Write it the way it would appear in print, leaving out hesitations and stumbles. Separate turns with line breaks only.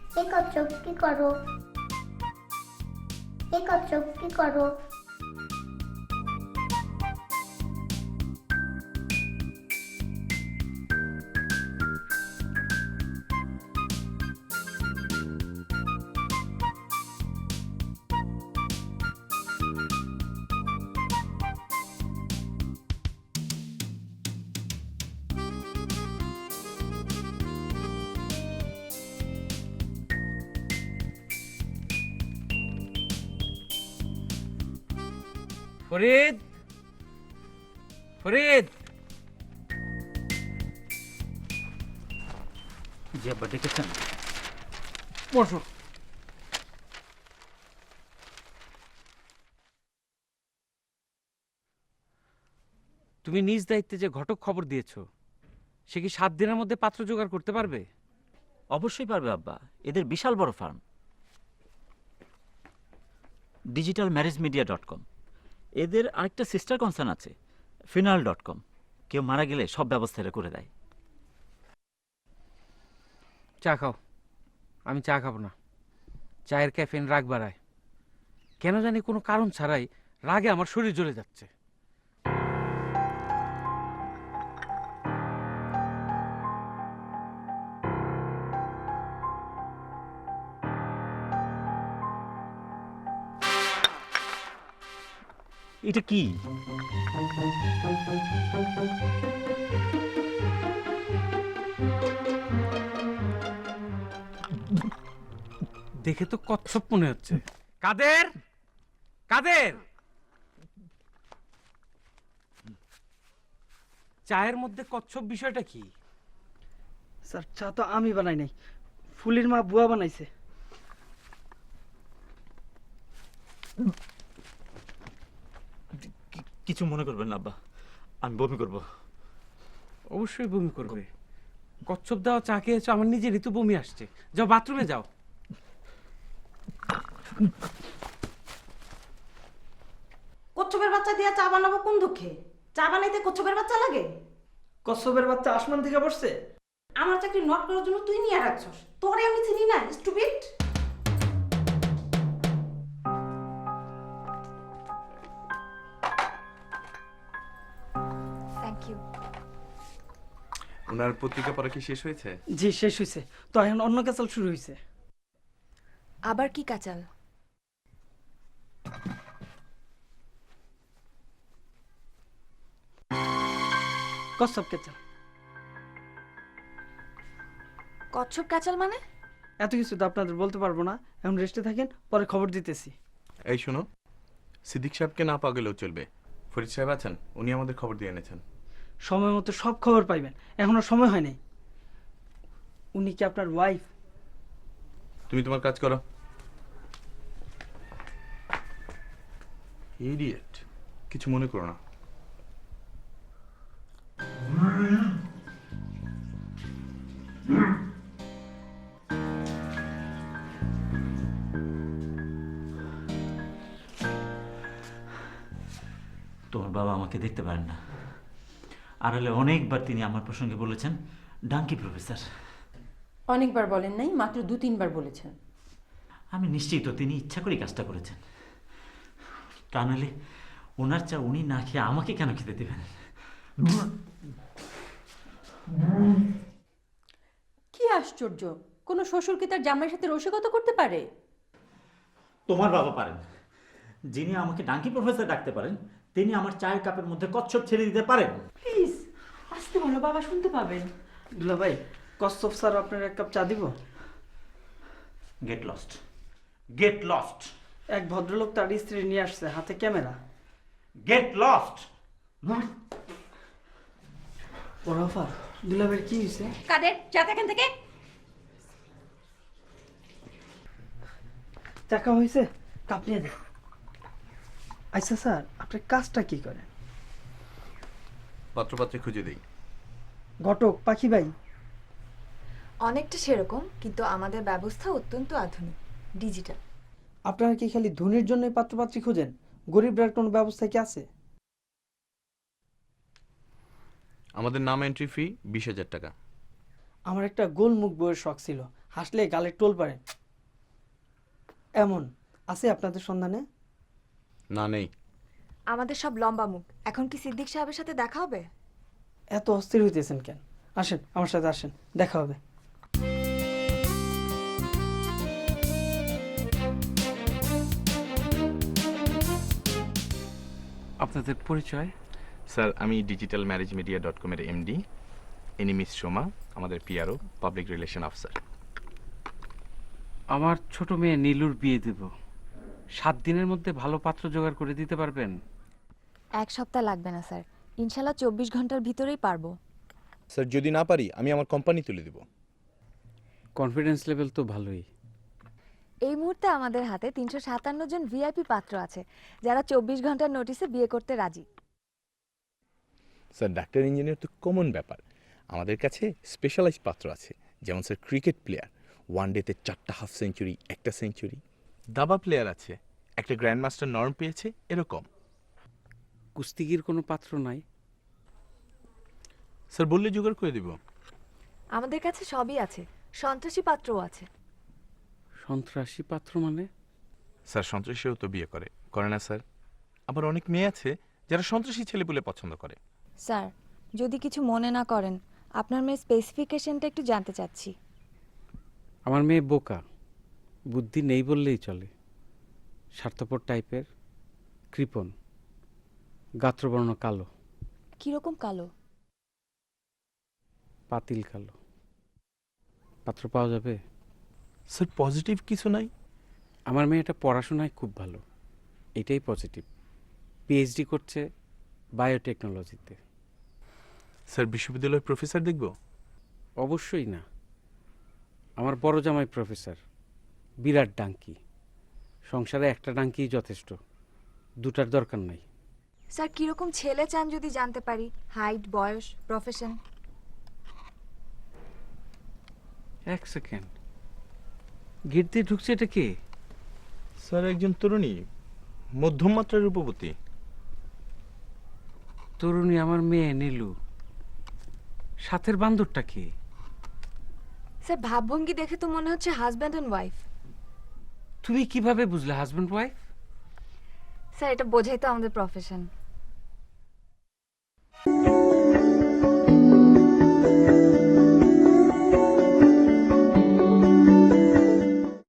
এ কচ্ছপ কি করো? এ কচ্ছপ কি করো?
ফরিদ, ফরিদ। জি আব্বা ডেকেছেন? বসো। তুমি নিজ দায়িত্বে যে ঘটক খবর দিয়েছো, সে কি 7 দিনের মধ্যে পাত্র জোগাড় করতে পারবে?
অবশ্যই পারবে আব্বা, এদের বিশাল বড় ফার্ম। digitalmarriagemedia.com, এদের আরেকটা সিস্টার কনসার্ন আছে funeral.com, কেউ মারা গেলে সব ব্যবস্থা এরা করে দেয়।
চা খাও। আমি চা খাবো না। চায়ের ক্যাফেইন রাগ বাড়ায়। কেন জানি কোনো কারণ ছাড়াই রাগে আমার শরীর জ্বলে যাচ্ছে।
এটা কি?
দেখে তো কচ্ছপ মনে হচ্ছে। কাদের, কাদের, চায়ের মধ্যে কচ্ছপ বিষয়টা কি?
স্যার চা তো আমি বানাই নাই, ফুলির মা বুয়া বানাইছে।
কিছু মনে করবেন না আব্বা, আমি বমি করব।
অবশ্যই বমি করবে। কচ্ছপ দেওয়া চা খেয়েছো, আমার নিজেরই তো বমি আসছে। যাও বাথরুমে যাও।
কচ্ছপের বাচ্চা দিয়ে চা বানাবো কোন দুঃখে? চা বানাইতে কচ্ছপের বাচ্চা লাগে?
কচ্ছপের বাচ্চা আসমান থেকে পড়ছে?
আমার চাকরি নট করার জন্য তুই নিয়ে রাখছস। তোরে আমি চিনি না, স্টুপিড।
Thank you.
ওনার পত্রিকা পড়া কি শেষ হয়েছে?
জি শেষ হয়েছে, তো এখন অন্য ক্যাচাল শুরু হয়েছে।
আবার কি কাচাল?
কচ্ছপ ক্যাচাল।
কচ্ছপ কাচাল মানে?
এত কিছু তো আপনাদের বলতে পারবো না, এখন রেস্টে থাকেন, পরে খবর দিতেছি।
এই শোনো, সিদ্দিক সাহেবকে না পাওয়া গেলেও চলবে। ফরিদ সাহেব আছেন, উনি আমাদের খবর দিয়ে এনেছেন।
সময় মতো সব খবর পাইবেন, এখনো সময় হয় নাই। উনি কি আপনার ওয়াইফ?
তুমি তোমার কাজ করো। ইডিয়েট, কিছু মনে করো না।
তোমার বাবা আমাকে দেখতে পারেন না, আড়ালে অনেকবার তিনি আমার প্রসঙ্গে বলেছেন ডাঙ্কি প্রফেসর।
অনেকবার বলেন নাই, মাত্র 2-3 বার বলেছেন।
আমি নিশ্চিত তিনি ইচ্ছা করে কাজটা করেছেন। তা নাহলে ওনার চা উনি না খেয়ে আমাকে কেন খেতে দেবেন?
কি আশ্চর্য, কোনো শ্বশুর কি তার জামাইয়ের সাথে রসিকতা করতে পারে?
তোমার বাবা পারেন। যিনি আমাকে ডাঙ্কি প্রফেসর ডাকতে পারেন, তিনি আমার চায়ের কাপের মধ্যে কচ্ছপ ছেড়ে দিতে পারেন।
প্লিজ আসতে বলো, বাবা শুনতে পাবেন।
দুলা ভাই, কচ্ছপ স্যার আপনার এক কাপ চা দিব?
গেট লস্ট, গেট লস্ট,
এক ভদ্রলোক তার স্ত্রী নিয়ে আসছে, হাতে ক্যামেরা।
Get lost.
ওরাফা, দুলা ভাইয়ের কি হয়েছে?
কাদের যা এখান থেকে।
চাকা হয়েছে, কাপ নিয়ে দে। আচ্ছা স্যার, আপনার কাজটা কি করেন?
পাত্রপাত্রে খুঁজে দেই।
ঘটক পাখি ভাই?
অনেকটা সেরকম, কিন্তু আমাদের ব্যবস্থা অত্যন্ত আধুনিক, ডিজিটাল।
আপনারা কি খালি ধনির জন্য পাত্রপাত্রী খোঁজেন? গরিবরার কোনো ব্যবস্থা কি আছে?
আমাদের নাম এন্ট্রি ফি 20,000 টাকা।
আমার একটা গোলমুখ বইয়ের শখ ছিল, হাসলে গালের টোল পারে এমন আছে আপনাদের সন্ধানে?
না, নেই।
আমাদের সব লম্বা মুখ, এখন কি সিদ্দিক সাহেবের সাথে দেখা হবে?
এত অস্থির হইতেছেন কেন? আসেন আমার সাথে, আসেন, দেখা হবে।
আপনাদের পরিচয়?
স্যার, আমি ডিজিটাল ম্যারেজ মিডিয়া .com এর এমডি। ইনি মিস সোমা, আমাদের পিআরও, পাবলিক রিলেশন অফিসার।
আমার ছোট মেয়ে নীলুর বিয়ে দেব, 7 দিনের মধ্যে ভালো পাত্র জোগাড় করে দিতে পারবেন?
1 সপ্তাহ লাগবে না স্যার, ইনশাল্লাহ 24 ঘন্টার ভিতরেই পারবো।
স্যার, যদি না পারি আমি আমার কোম্পানি তুলে দিব।
কনফিডেন্স লেভেল তো ভালোই।
এই মুহূর্তে আমাদের হাতে 357 জন ভিআইপি পাত্র আছে যারা 24 ঘন্টার নোটিসে বিয়ে করতে রাজি।
স্যার, ডাক্তার ইঞ্জিনিয়ার তো কমন ব্যাপার, আমাদের কাছে স্পেশালাইজ পাত্র আছে। যেমন স্যার, ক্রিকেট প্লেয়ার, ওয়ানডেতে 4টা হাফ সেঞ্চুরি, 1টা সেঞ্চুরি। দাবা প্লেয়ার আছে, একটা গ্র্যান্ড মাস্টার নর্ম পেয়েছে, এরকম।
কুস্তিগির কোনো পাত্র নাই?
স্যার, বললে জোগাড় করে দিব।
আমাদের কাছে সবই আছে, সন্ত্রাসী পাত্রও আছে।
সন্ত্রাসী পাত্র মানে?
স্যার, সন্ত্রাসীও তো বিয়ে করে না স্যার? আবার অনেক মেয়ে আছে যারা সন্ত্রাসী ছেলেপুলে পছন্দ করে।
স্যার, যদি কিছু মনে না করেন, আপনার মেয়ের স্পেসিফিকেশনটা একটু জানতে চাচ্ছি।
আমার মেয়ে বোকা, বুদ্ধি নেই বললেই চলে। স্বার্থপর টাইপের, কৃপণ, গাত্রবর্ণ কালো।
কিরকম কালো?
পাতিল কালো। পাত্র পাওয়া যাবে?
স্যার, পজিটিভ কিছু নাই?
আমার মেয়েটা পড়াশোনায় খুব ভালো, এটাই পজিটিভ। পিএইচডি করছে বায়োটেকনোলজিতে।
স্যার, বিশ্ববিদ্যালয়ের প্রফেসর দেখব?
অবশ্যই না, আমার বড় জামাই প্রফেসর, বিরাট ডাঙ্কি। সংসারে একটা ডাঙ্কিই যথেষ্ট, দুটার দরকার নাই।
স্যার, কিরকম ছেলে চান যদি জানতে পারি? হাইট, বয়স, প্রফেশন?
1 সেকেন্ড, গেট দিয়ে ঢুকছে, এটা কে?
স্যার, একজন তরুণী, মধ্যম মাত্রার রূপবতী।
তরুণী আমার মেয়ে নীলু। সাথের বান্দরটা কে?
স্যার, ভাবভঙ্গি দেখে তো মনে হচ্ছে হাজব্যান্ড অ্যান্ড ওয়াইফ।
তুমি কিভাবে বুঝলে হাজব্যান্ড ওয়াইফ?
স্যার, এটা বোঝাই তো আমাদের প্রফেশন।